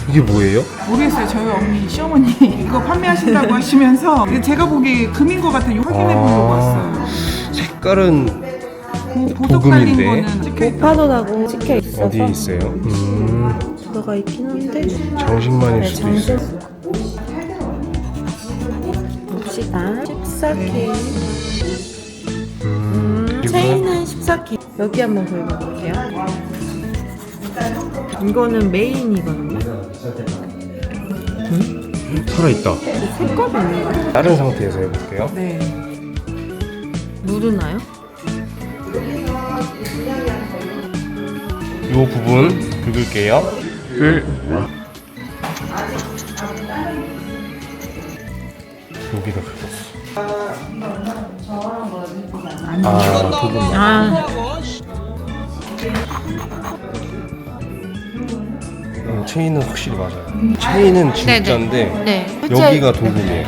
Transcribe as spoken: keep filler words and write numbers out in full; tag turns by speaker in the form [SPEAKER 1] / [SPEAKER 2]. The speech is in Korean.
[SPEAKER 1] 이게 뭐예요?
[SPEAKER 2] 모르겠어요. 저희 언니 시어머니 이거 판매하신다고 하시면서 제가 보기에 금인 것 같아요. 확인해 보려고 왔어요.
[SPEAKER 1] 색깔은
[SPEAKER 2] 고, 보석 달린
[SPEAKER 1] 고금인데?
[SPEAKER 2] 거는 찍혀있다.
[SPEAKER 3] 오파도라고 찍혀 있어서
[SPEAKER 1] 어디에 있어요? 음,
[SPEAKER 3] 들어가 있긴 한데
[SPEAKER 1] 정신만일
[SPEAKER 3] 네,
[SPEAKER 1] 수도 있어요.
[SPEAKER 3] 봅시다. 십사 키.
[SPEAKER 1] 음,
[SPEAKER 3] 음,
[SPEAKER 1] 그리고
[SPEAKER 3] 체인은 십사 키. 여기 한번 긁어볼게요. 이거는 메인이거든요.
[SPEAKER 1] 살아있다.
[SPEAKER 3] 색깔이 있는 거예요?
[SPEAKER 1] 다른 상태에서 해볼게요.
[SPEAKER 3] 네. 누르나요?
[SPEAKER 1] 이 부분 긁을게요. 긁. 여기다 긁었어. 아, 도금.
[SPEAKER 3] 아,
[SPEAKER 1] 음, 체인은 확실히 맞아요. 체인은 진짜인데
[SPEAKER 3] 네.
[SPEAKER 1] 여기가 도금이에요.